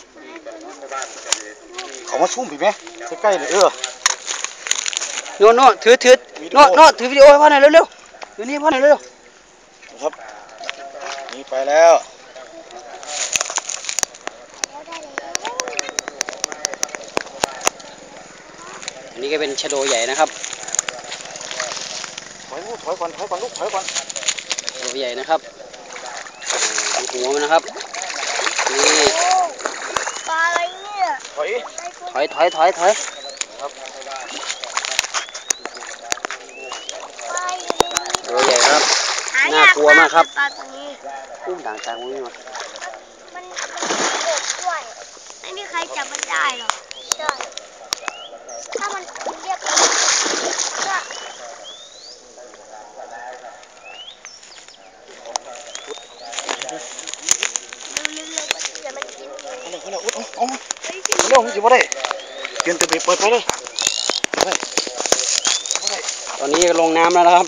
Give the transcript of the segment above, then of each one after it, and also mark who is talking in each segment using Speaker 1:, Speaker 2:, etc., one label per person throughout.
Speaker 1: เขามาซุ่มพี่ไหมใกล้ๆเลย
Speaker 2: โน่ถือโน่ถือวิดีโอให้พ่อหน่อยเร็วๆถือนี่พ่อหน่อยเร็ว
Speaker 1: ครับนี่ไปแล้ว
Speaker 2: อันนี้ก็เป็นชะโดใหญ่นะครับ
Speaker 1: ถอยก่อนลูกถอยก่อน
Speaker 2: ชะโดใหญ่นะครับดูหัวมันนะครับนี่
Speaker 3: ปลาอะไรเนี่ย
Speaker 2: ถอย
Speaker 1: ครับ
Speaker 2: ตัวใหญ่ครับน่ากลัวมากครับ
Speaker 3: ปลาตัวนี้
Speaker 2: อุ้มด่างจางมุ้งมา
Speaker 3: มันโอบด้วยไม่มีใครจับมันได้หรอกใช่ถ้ามันเรียกก็เร็วๆมันจะมันกินเลย
Speaker 1: เขาเลยเอาเร็วมันจะไม่ได้เปลี่ยนตัวเปิดไปเลย
Speaker 2: ตอนนี้ลงน้ำแล้วนะครับ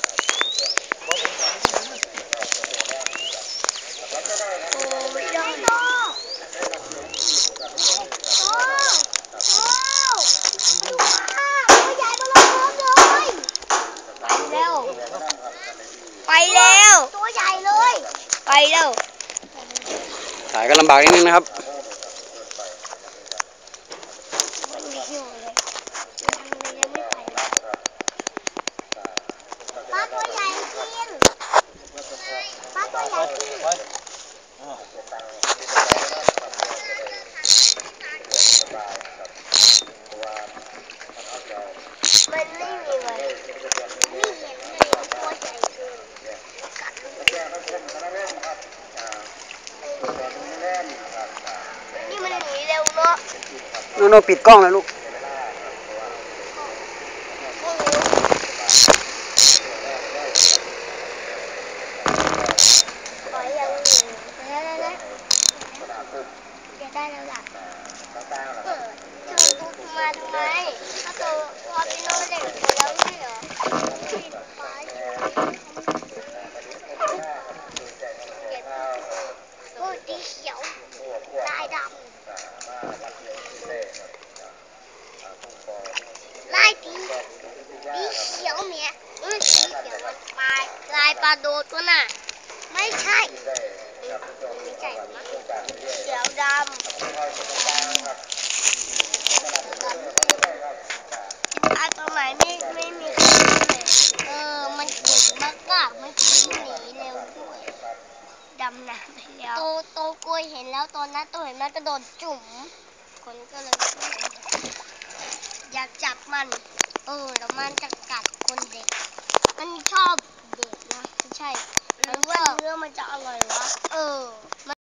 Speaker 3: ไปแล้วตัวใหญ่เลยไปแล้ว
Speaker 2: ถ่ายก็ลำบากนิดนึงนะครับ
Speaker 3: ปลาตัวใหญ่กินปลาตัวใหญ่กินมันไม่มีเลยไม่เห็นเลยตัวใหญ่เกินกัดนี่มันหนีเร็วเนาะ
Speaker 2: โน่ปิดกล้องเลยลูก
Speaker 3: จะได้แล้วล่ะจะดูมาทำไมถ้าตัวพอพี่โน้ตเด็กไปแล้วไม่เหรอปิดไฟโอ้ดีเขียวลายดำลายดีเขียวเมียสีเขียวมันลายปลาโดตัวน่ะไม่ใช่ไม่ใช่หรอมั้งเขียวดำตัวใหม่ไม่มีใครเลยมันเก่งมากๆมันหนีเร็วด้วยดำน้ำไปแล้วโตกล้วยเห็นแล้วตอนนั้นตัวเห็นมันกระโดดจุ่มคนก็เลยอยากจับมันแล้วมันจะกัดคนเด็กมันชอบเด็กนะไม่ใช่หรือว่าเนื้อมันจะอร่อยวะ